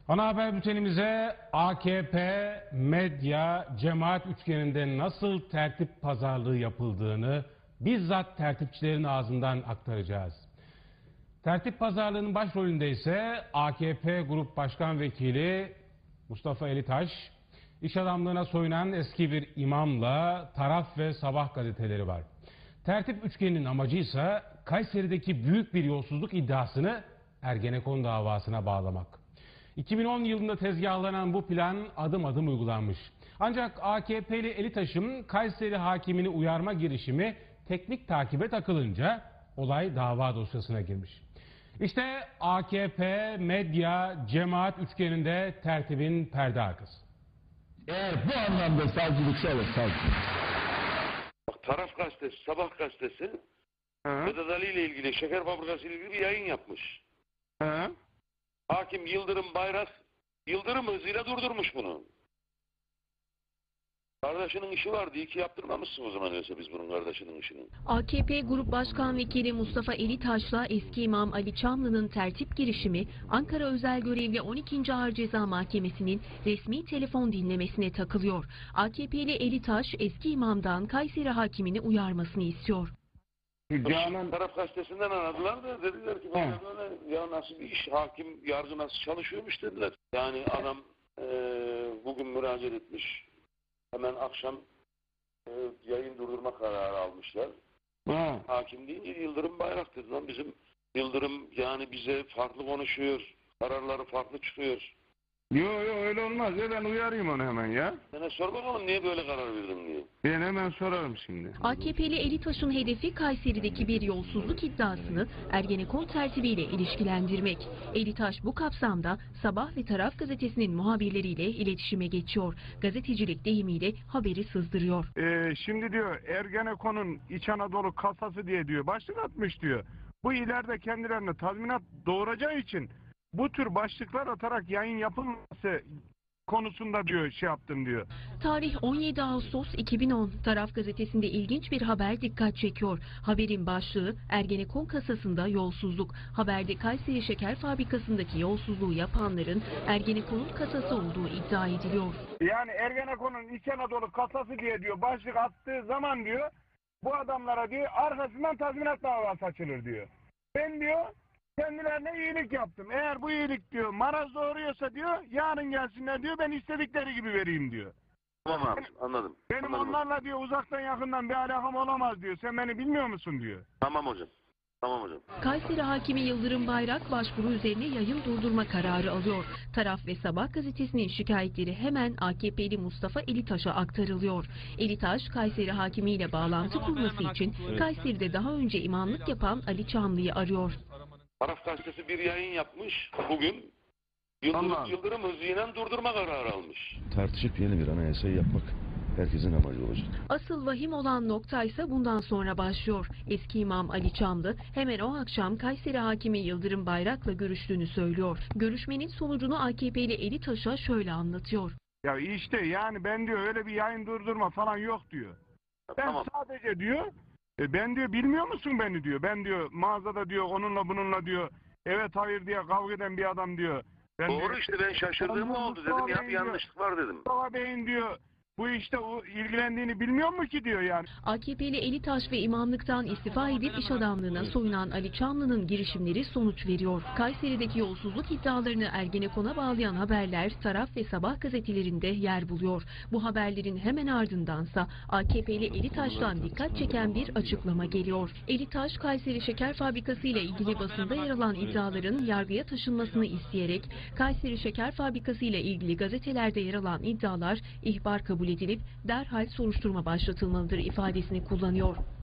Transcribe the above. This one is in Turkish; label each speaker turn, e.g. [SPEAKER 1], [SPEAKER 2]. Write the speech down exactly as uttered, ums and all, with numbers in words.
[SPEAKER 1] Ana haber bültenimize A K P, medya, cemaat üçgeninde nasıl tertip pazarlığı yapıldığını bizzat tertipçilerin ağzından aktaracağız. Tertip pazarlığının başrolünde ise A K P Grup Başkan Vekili Mustafa Elitaş, iş adamlığına soyunan eski bir imamla Taraf ve Sabah gazeteleri var. Tertip üçgeninin amacı ise Kayseri'deki büyük bir yolsuzluk iddiasını Ergenekon davasına bağlamak. iki bin on yılında tezgahlanan bu plan adım adım uygulanmış. Ancak A K P'li Elitaş'ın Kayseri hakimini uyarma girişimi teknik takibe takılınca olay dava dosyasına girmiş. İşte A K P, medya, cemaat üçgeninde tertibin perde arkası.
[SPEAKER 2] Eğer bu anlamda savcılıksa olur savcılık.
[SPEAKER 3] Bak, Taraf gazetesi, Sabah gazetesi Vedat Ali ile ilgili, şeker fabrikası ile ilgili bir yayın yapmış.
[SPEAKER 1] Hı?
[SPEAKER 3] Hakim Yıldırım Bayrak, Yıldırım hızıyla durdurmuş bunu. Kardeşinin işi vardı, iyi ki yaptırmamışsın o zaman öyleyse biz bunun kardeşinin işini.
[SPEAKER 4] A K P Grup Başkan Vekili Mustafa Elitaş'la eski imam Ali Çamlı'nın tertip girişimi Ankara Özel Görevli on ikinci Ağır Ceza Mahkemesi'nin resmi telefon dinlemesine takılıyor. A K P'li Elitaş eski imamdan Kayseri hakimini uyarmasını istiyor.
[SPEAKER 3] Canan Taraf gazetesinden aradılar da dediler ki böyle böyle ya nasıl bir iş, hakim yargı nasıl çalışıyormuş dediler. Yani adam e, bugün müracaat etmiş, hemen akşam e, yayın durdurma kararı almışlar.
[SPEAKER 2] Ha.
[SPEAKER 3] Hakim deyince Yıldırım Bayrak dedi lan, bizim Yıldırım yani bize farklı konuşuyor, kararları farklı çıkıyor.
[SPEAKER 2] Yok yok öyle olmaz ya, ben uyarayım onu hemen ya.
[SPEAKER 3] Sana sor bakalım niye böyle karar verdin diye.
[SPEAKER 2] Ben hemen sorarım şimdi.
[SPEAKER 4] A K P'li Elitaş'ın hedefi Kayseri'deki bir yolsuzluk iddiasını Ergenekon tertibiyle ilişkilendirmek. Elitaş bu kapsamda Sabah ve Taraf gazetesinin muhabirleriyle iletişime geçiyor. Gazetecilik deyimiyle haberi sızdırıyor.
[SPEAKER 2] Ee, şimdi diyor Ergenekon'un İç Anadolu kasası diye diyor başlık atmış diyor. Bu ileride kendilerine tazminat doğuracağı için bu tür başlıklar atarak yayın yapılması konusunda diyor şey yaptım diyor.
[SPEAKER 4] Tarih on yedi Ağustos iki bin on. Taraf gazetesinde ilginç bir haber dikkat çekiyor. Haberin başlığı Ergenekon kasasında yolsuzluk. Haberde Kayseri Şeker Fabrikası'ndaki yolsuzluğu yapanların Ergenekon'un kasası olduğu iddia ediliyor.
[SPEAKER 2] Yani Ergenekon'un İç Anadolu kasası diye diyor başlık attığı zaman diyor bu adamlara diyor arkasından tazminat davası açılır diyor. Ben diyor kendilerine iyilik yaptım. Eğer bu iyilik diyor maraz doğuruyorsa diyor yarın gelsinler diyor ben istedikleri gibi vereyim diyor.
[SPEAKER 3] Tamam abi, anladım.
[SPEAKER 2] Benim
[SPEAKER 3] anladım.
[SPEAKER 2] onlarla diyor uzaktan yakından bir alakam olamaz diyor. Sen beni bilmiyor musun diyor.
[SPEAKER 3] Tamam hocam. Tamam hocam.
[SPEAKER 4] Kayseri hakimi Yıldırım Bayrak başvuru üzerine yayın durdurma kararı alıyor. Taraf ve Sabah gazetesinin şikayetleri hemen A K P'li Mustafa Elitaş'a aktarılıyor. Elitaş, Kayseri hakimiyle bağlantı kurması için Kayseri'de daha önce imamlık yapan Ali Çamlı'yı arıyor.
[SPEAKER 3] Taraf gazetesi bir yayın yapmış bugün. Yıldırım,
[SPEAKER 2] Tamam.
[SPEAKER 3] Yıldırım hızıyla durdurma kararı almış.
[SPEAKER 5] Tartışıp yeni bir anayasayı yapmak herkesin amacı olacak.
[SPEAKER 4] Asıl vahim olan nokta ise bundan sonra başlıyor. Eski imam Ali Çamlı hemen o akşam Kayseri hakimi Yıldırım Bayrak'la görüştüğünü söylüyor. Görüşmenin sonucunu A K P'li Elitaş'a şöyle anlatıyor.
[SPEAKER 2] Ya işte yani ben diyor öyle bir yayın durdurma falan yok diyor. Ben
[SPEAKER 3] Tamam.
[SPEAKER 2] sadece diyor e, ben diyor bilmiyor musun beni diyor. Ben diyor mağazada diyor onunla bununla diyor evet hayır diye kavga eden bir adam diyor. Ben
[SPEAKER 3] Doğru
[SPEAKER 2] diyor,
[SPEAKER 3] işte, ben şaşırdığım
[SPEAKER 2] Mustafa
[SPEAKER 3] oldu dedim ya, bir
[SPEAKER 2] Bey'in
[SPEAKER 3] yanlışlık var dedim.
[SPEAKER 2] Mustafa Bey'in diyor bu işte o ilgilendiğini bilmiyor mu ki diyor yani.
[SPEAKER 4] A K P'li Elitaş ve imamlıktan istifa edip iş adamlığına soyunan Ali Çamlı'nın girişimleri sonuç veriyor. Kayseri'deki yolsuzluk iddialarını Ergenekon'a bağlayan haberler Taraf ve Sabah gazetelerinde yer buluyor. Bu haberlerin hemen ardındansa A K P'li Elitaş'tan dikkat çeken bir açıklama geliyor. Elitaş, Kayseri Şeker Fabrikası ile ilgili basında yer alan iddiaların yargıya taşınmasını isteyerek Kayseri Şeker Fabrikası ile ilgili gazetelerde yer alan iddialar ihbar kabul edilip derhal soruşturma başlatılmalıdır ifadesini kullanıyor.